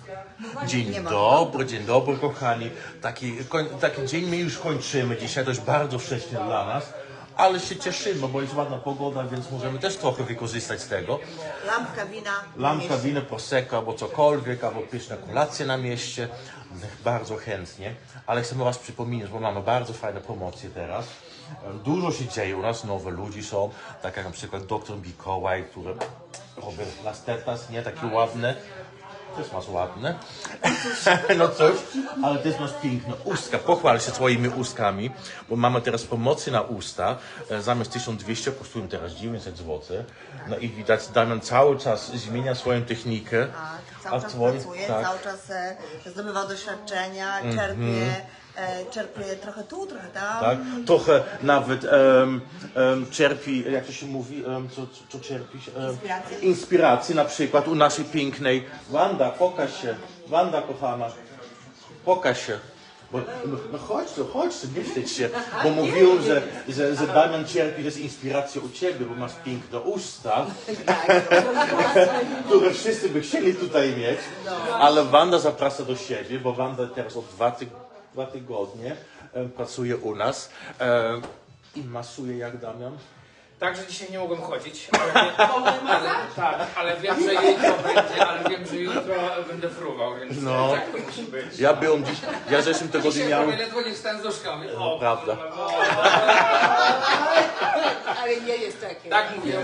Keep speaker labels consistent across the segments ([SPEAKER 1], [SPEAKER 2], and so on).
[SPEAKER 1] Dzień dobry kochani. Taki dzień my już kończymy dzisiaj, to już bardzo wcześnie dla nas. Ale się cieszymy, bo jest ładna pogoda, więc możemy też trochę wykorzystać z tego. Lampka wina, prosecco albo cokolwiek, albo pyszne kolacje na mieście. Bardzo chętnie. Ale chcemy was przypominać, bo mamy bardzo fajne promocje teraz. Dużo się dzieje u nas, nowe ludzi są, tak jak na przykład dr Mikołaj, który robi lastetas, nie? Takie ładne. Też masz ładne. No coś, ale też masz piękne ustka. Pochwal się swoimi ustkami, bo mamy teraz promocję na usta. Zamiast 1200 kosztują teraz 900 zł. No i widać, Damian cały czas zmienia swoją technikę.
[SPEAKER 2] Cały czas pracuje, cały czas zdobywa doświadczenia, czerpie trochę tu, trochę tam.
[SPEAKER 1] Tak, trochę nawet czerpi, jak to się mówi, co czerpisz? Inspiracji, na przykład u naszej pięknej Wanda, pokaż się, Wanda kochana, pokaż się. Bo, no chodź tu, nie wstydź się, bo mówiłem, że Damian czerpi też inspirację u ciebie, bo masz piękne usta, które wszyscy by chcieli tutaj mieć, ale Wanda zaprasza do siebie, bo Wanda teraz od 2 tygodnie pracuje u nas i masuje jak Damian.
[SPEAKER 3] Także dzisiaj nie mogłem chodzić, ale wiem, że jutro będę fruwał, więc
[SPEAKER 1] No.
[SPEAKER 3] tak to musi być.
[SPEAKER 1] Ja byłem dziś, ja w zeszłym tygodniu
[SPEAKER 3] Dzisiaj
[SPEAKER 1] miałem...
[SPEAKER 3] ledwo nie wstałem z łóżka.
[SPEAKER 1] No, prawda.
[SPEAKER 2] Ale nie jest takie.
[SPEAKER 3] Tak mówię.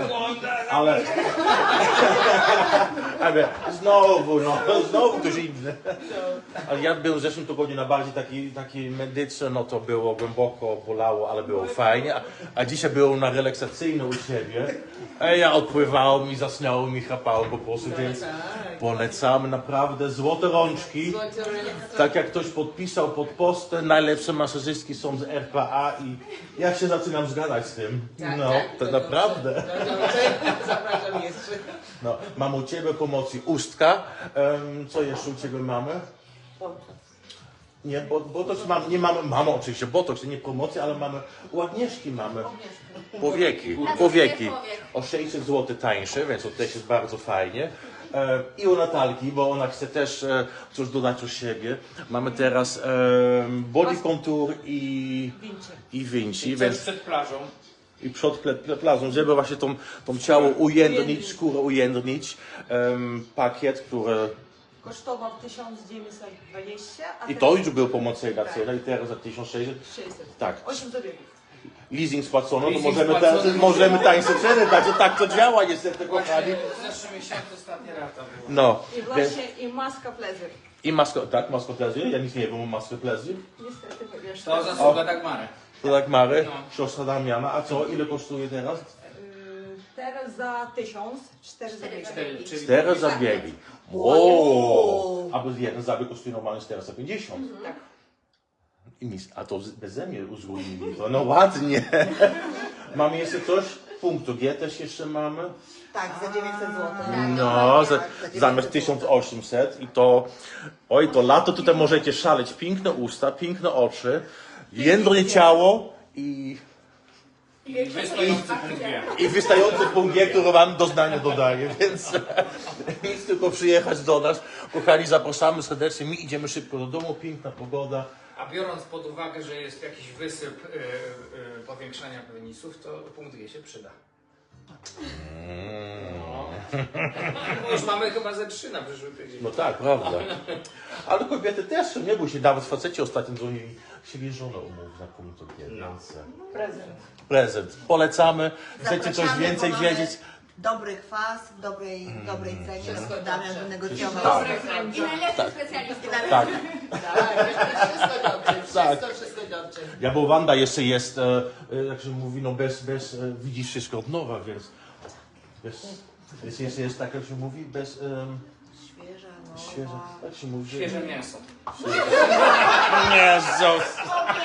[SPEAKER 1] Ale znowu ktoś inny. Ale ja byłem w zeszłym tygodniu na bardziej taki medyczny, no to było głęboko, bolało, ale było fajnie. A dzisiaj byłem na relaksacyjny u siebie. A ja odpływałem i zasnąłem i chrapałem po prostu, więc polecamy naprawdę złote rączki. Tak jak ktoś podpisał pod postem, najlepsze masażystki są z RPA i ja się zaczynam zgadzać z tym. No, to naprawdę.
[SPEAKER 2] Zapraszam jeszcze.
[SPEAKER 1] No, mam u ciebie pomocy ustka. Co jeszcze u ciebie mamy? Nie, botox nie mamy oczywiście botox, nie promocję, ale mamy u Agnieszki mamy powieki. O 600 zł tańsze, więc to też jest bardzo fajnie. I u Natalki, bo ona chce też coś dodać u siebie. Mamy teraz body contour i Vinci.
[SPEAKER 3] Więc przed plażą.
[SPEAKER 1] I przed plażą, żeby właśnie tą ciało ujędrnić, skórę ujędrnić. Pakiet, który...
[SPEAKER 4] Kosztował 1920, a
[SPEAKER 1] I to już był promocyjna cena i teraz za 1600.
[SPEAKER 4] 600.
[SPEAKER 1] Tak.
[SPEAKER 4] 8 zabiegów.
[SPEAKER 1] Leasing spłacono, to
[SPEAKER 3] Leasing
[SPEAKER 1] możemy
[SPEAKER 3] spłacony.
[SPEAKER 1] teraz możemy tańsze ceny dać, tak to działa niestety kochani.
[SPEAKER 3] Właśnie w zeszłym miesiącu ostatnia rata była.
[SPEAKER 1] No.
[SPEAKER 4] I właśnie i maska pleasure.
[SPEAKER 1] I masko pleasure, ja nic nie wiem o masce pleasure.
[SPEAKER 4] Niestety, wiesz.
[SPEAKER 3] To zasługa Dagmary.
[SPEAKER 1] To tak Mary,
[SPEAKER 3] No.
[SPEAKER 1] siostra Damiana, a co, ile kosztuje teraz?
[SPEAKER 4] Teraz za 1000, 4 zabiegi.
[SPEAKER 3] Czyli
[SPEAKER 1] 4 zabiegi. Wow. A bez jeden zabieg kosztuje normalnie 450.
[SPEAKER 4] Tak.
[SPEAKER 1] I nic, a to beze mnie uzgodnili to, no ładnie. Mamy jeszcze coś? Punktu G też jeszcze mamy.
[SPEAKER 2] Tak, za 900 zł.
[SPEAKER 1] No, zamiast 1800 i to, oj, to lato tutaj możecie szaleć. Piękne usta, piękne oczy, jędrne ciało i
[SPEAKER 3] wystający punkt G.
[SPEAKER 1] wystający punkt G, który wam doznanie dodaje, więc nic tylko przyjechać do nas. Kochani, zapraszamy serdecznie, my idziemy szybko do domu, piękna pogoda.
[SPEAKER 3] A biorąc pod uwagę, że jest jakiś wysyp powiększania penisów, to punkt G się przyda. No. Już mamy chyba ze 3 na przyszły tydzień.
[SPEAKER 1] No tak, prawda. Ale kobiety też, nie bój się, nawet faceci ostatnio dzwonili, chcieli żonę umówić na punktu G, więc...
[SPEAKER 4] Prezent.
[SPEAKER 1] Prezent. Polecamy. Chcecie coś
[SPEAKER 2] Zapraszamy,
[SPEAKER 1] więcej
[SPEAKER 2] bo mamy
[SPEAKER 1] wiedzieć?
[SPEAKER 2] Dobry kwas, w dobrej cenie. Damian wynegocjował.
[SPEAKER 1] Tak.
[SPEAKER 5] I najlepszy specjalista.
[SPEAKER 1] Tak.
[SPEAKER 2] Wszystko dobrze.
[SPEAKER 1] Ja, bo Wanda jeszcze jest, jak się mówi, no widzisz wszystko od nowa, więc jest tak, jak się mówi, świeża, jak się mówi?
[SPEAKER 3] Świeże mięso.
[SPEAKER 1] Jezus!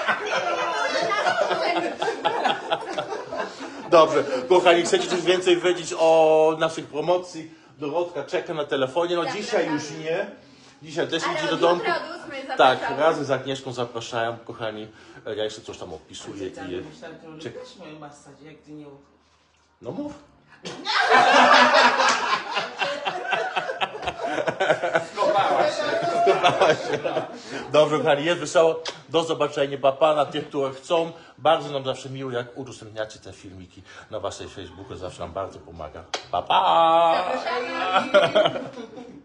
[SPEAKER 1] Dobrze, kochani, chcecie coś więcej wiedzieć o naszych promocji? Dorotka czeka na telefonie, no dzisiaj już nie. Dzisiaj też idzie do domu. Tak, razem z Agnieszką zapraszają, kochani. Ja jeszcze coś tam opisuję i... Czekaj.
[SPEAKER 6] moją masadzie, jak ty nie...
[SPEAKER 1] No mów.
[SPEAKER 3] Skopałaś się.
[SPEAKER 1] Dobrze, kochani, jest wesoło. Do zobaczenia, papa, na tych, które chcą. Bardzo nam zawsze miło, jak udostępniacie te filmiki na waszej Facebooku. Zawsze nam bardzo pomaga. Pa, pa!
[SPEAKER 5] Zapraszamy.